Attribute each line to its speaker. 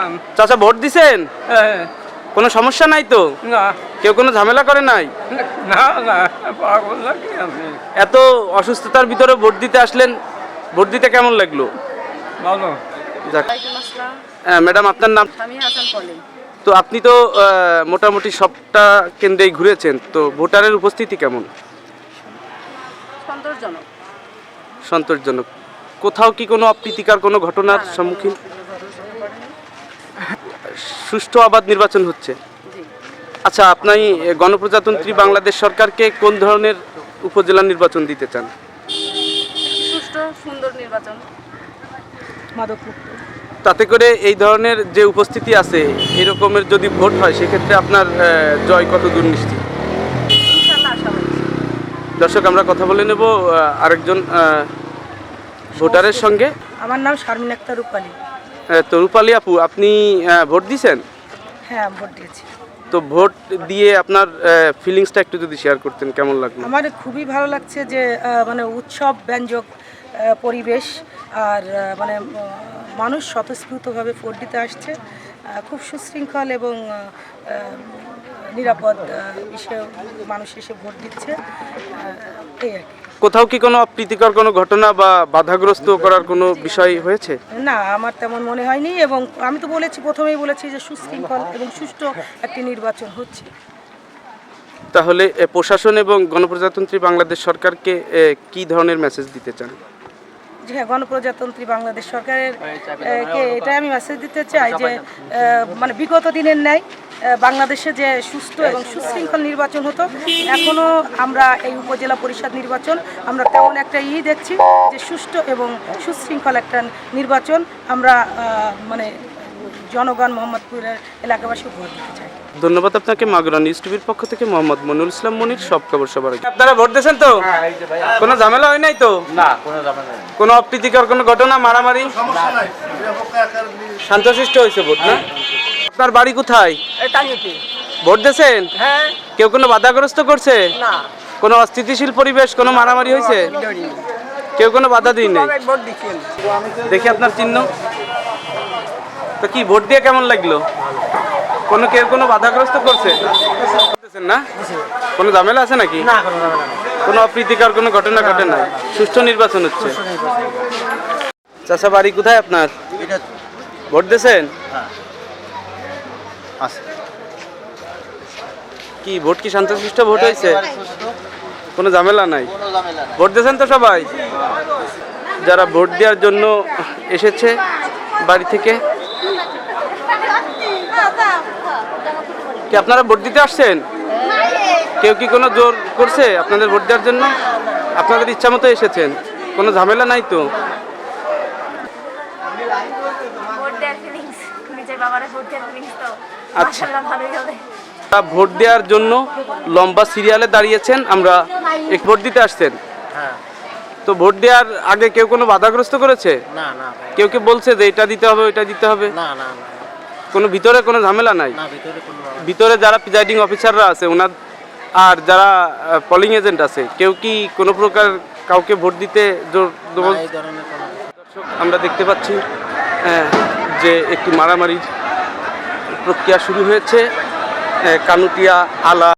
Speaker 1: চাচা ভোট দিছেন? কোনো সমস্যা নাই তো?
Speaker 2: না
Speaker 1: কেউ কোনো ঝামেলা করে নাই?
Speaker 2: না না পাগল নাকি আমি?
Speaker 1: এত অসুস্থতার ভিতরে ভোট দিতে আসলেন, ভোট দিতে কেমন লাগলো?
Speaker 2: ভালো।
Speaker 1: যাক। ম্যাডাম আপনার নাম?
Speaker 3: আমি হাসান পলি।
Speaker 1: তো আপনি তো মোটামুটি সবটা কেন্দ্রেই ঘুরেছেন, তো ভোটারের উপস্থিতি কেমন?
Speaker 3: সন্তোষজনক।
Speaker 1: সন্তোষজনক। কোথাও কি কোনো অপ্রীতিকর কোনো ঘটনার সম্মুখীন? সুষ্ঠু অবাধ নির্বাচন হচ্ছে।
Speaker 3: জি।
Speaker 1: আচ্ছা, আপনি গণপ্রজাতন্ত্রী বাংলাদেশ সরকারকে কোন ধরনের উপজেলা নির্বাচন দিতে চান?
Speaker 3: সুষ্ঠু সুন্দর নির্বাচন। মাদকমুক্ত।
Speaker 1: তাতে করে এই ধরনের যে উপস্থিতি আছে, এরকমের যদি ভোট হয় সেক্ষেত্রে আপনার জয় কত দূর নিশ্চিত?
Speaker 3: ইনশাআল্লাহ আশাবাদী।
Speaker 1: দর্শক, আমরা কথা বলে নেব আরেকজন ভোটারের সঙ্গে।
Speaker 3: আমার নাম শারমিন আক্তার রূপালী।
Speaker 1: তো রূপালী আপু, আপনি ভোট দিয়েছেন?
Speaker 3: হ্যাঁ, ভোট দিয়েছি।
Speaker 1: তো ভোট দিয়ে আপনার ফিলিংসটা একটু যদি শেয়ার করতেন, কেমন লাগলো?
Speaker 3: আমার খুবই ভালো লাগছে যে মানে উৎসব ব্যঞ্জক পরিবেশ, আর মানে মানুষ স্বতঃস্ফূর্তভাবে ভোট দিতে আসছে। খুব সুশৃঙ্খল এবং নিরাপদ বিষয়ে মানুষ এসে ভোট দিচ্ছে, এই আর কি।
Speaker 1: কোথাও কি কোনো অপ্রীতিকর কোনো ঘটনা বা বাধাগ্রস্ত করার কোনো বিষয় হয়েছে?
Speaker 3: না, আমার তেমন মনে হয়নি, এবং আমি তো প্রথমেই বলেছি যে সুশৃঙ্খল এবং সুষ্ঠু একটি নির্বাচন হচ্ছে।
Speaker 1: তাহলে প্রশাসন এবং গণপ্রজাতন্ত্রী বাংলাদেশ সরকারকে কি ধরনের মেসেজ দিতে চান?
Speaker 3: যে হ্যাঁ, গণপ্রজাতন্ত্রী বাংলাদেশ সরকারের কে এটাই আমি মেসেজ দিতে চাই যে মানে বিগত দিনের ন্যায় বাংলাদেশে যে সুষ্ঠু এবং সুশৃঙ্খল নির্বাচন হতো, এখনও আমরা এই উপজেলা পরিষদ নির্বাচন আমরা তেমন একটা দেখছি যে সুষ্ঠু এবং সুশৃঙ্খল একটা নির্বাচন আমরা মানে জনগণ মোহাম্মদপুরের এলাকাবাসী ভোট দিতে চাই।
Speaker 1: ধন্যবাদ আপনাকে। মাগুরা নিউজ টিভির পক্ষ থেকে মোহাম্মদ মনিরুল ইসলাম মনির, সব খবর সবার আগে। আপনারা ভোট দিয়েছেন তো? কোনো ঝামেলা হয় নাই তো?
Speaker 2: না, কোনো ঝামেলা নেই।
Speaker 1: কোনো অপ্রীতিকর কোনো ঘটনা, মারামারি? শান্তশিষ্ট হয়েছে ভোট, না? আপনার বাড়ি কোথায়? ভোট দিয়েছেন?
Speaker 3: হ্যাঁ।
Speaker 1: কেউ কোনো বাধাগ্রস্ত করছে?
Speaker 3: না।
Speaker 1: কোনো অস্থিতিশীল পরিবেশ, কোনো মারামারি হয়েছে? কেউ কোনো বাধা দিই নাই?
Speaker 3: ভোট দিচ্ছেন?
Speaker 1: দেখি আপনার চিহ্ন। তো কি ভোট দিয়ে কেমন লাগলো? কেউ কোনো বাধাগ্রস্ত করছে না? কোনো ঝামেলা আছে নাকি?
Speaker 3: না, কোনো ঝামেলা নেই।
Speaker 1: কোনো অপ্রীতিকর কোনো ঘটনা ঘটে নাই? সুষ্ঠু নির্বাচন হচ্ছে। চাচা, বাড়ি কোথায় আপনার? ভোট দিয়েছেন? কি ভোট কি শান্তশিষ্ট ভোট হয়েছে? কোনো ঝামেলা নাই? ভোট দিয়েছেন তো সবাই? যারা ভোট দেওয়ার জন্য এসেছে বাড়ি থেকে, কি আপনারা ভোট দিতে আসছেন? কেউ কি কোনো জোর করছে আপনাদের ভোট দেওয়ার জন্য? আপনাদের ইচ্ছা মতো এসেছেন, কোনো ঝামেলা নাই তো? আচ্ছা, ভোট দেওয়ার জন্য লম্বা সিরিয়ালে দাঁড়িয়েছেন, আমরা এক ভোট দিতে আসছেন। তো ভোট দেওয়ার আগে কেউ কোনো বাধাগ্রস্ত করেছে?
Speaker 2: না না
Speaker 1: কেউ কি বলছে যে এটা দিতে হবে ওইটা দিতে হবে?
Speaker 2: না না
Speaker 1: কোনো ভিতরে কোনো ঝামেলা নাই?
Speaker 2: না, ভিতরে কোনো
Speaker 1: ভিতরে যারা প্রিজাইডিং অফিসাররা আছে ওনার আর যারা পোলিং এজেন্ট আছে, কেউ কি কোনো প্রকার কাউকে ভোট দিতে জোর জবরদস্তি?
Speaker 2: এই ধরনের কোনো
Speaker 1: দর্শক, আমরা দেখতে পাচ্ছি যে একটি মারামারির প্রক্রিয়া শুরু হয়েছে কানুটিয়া আলা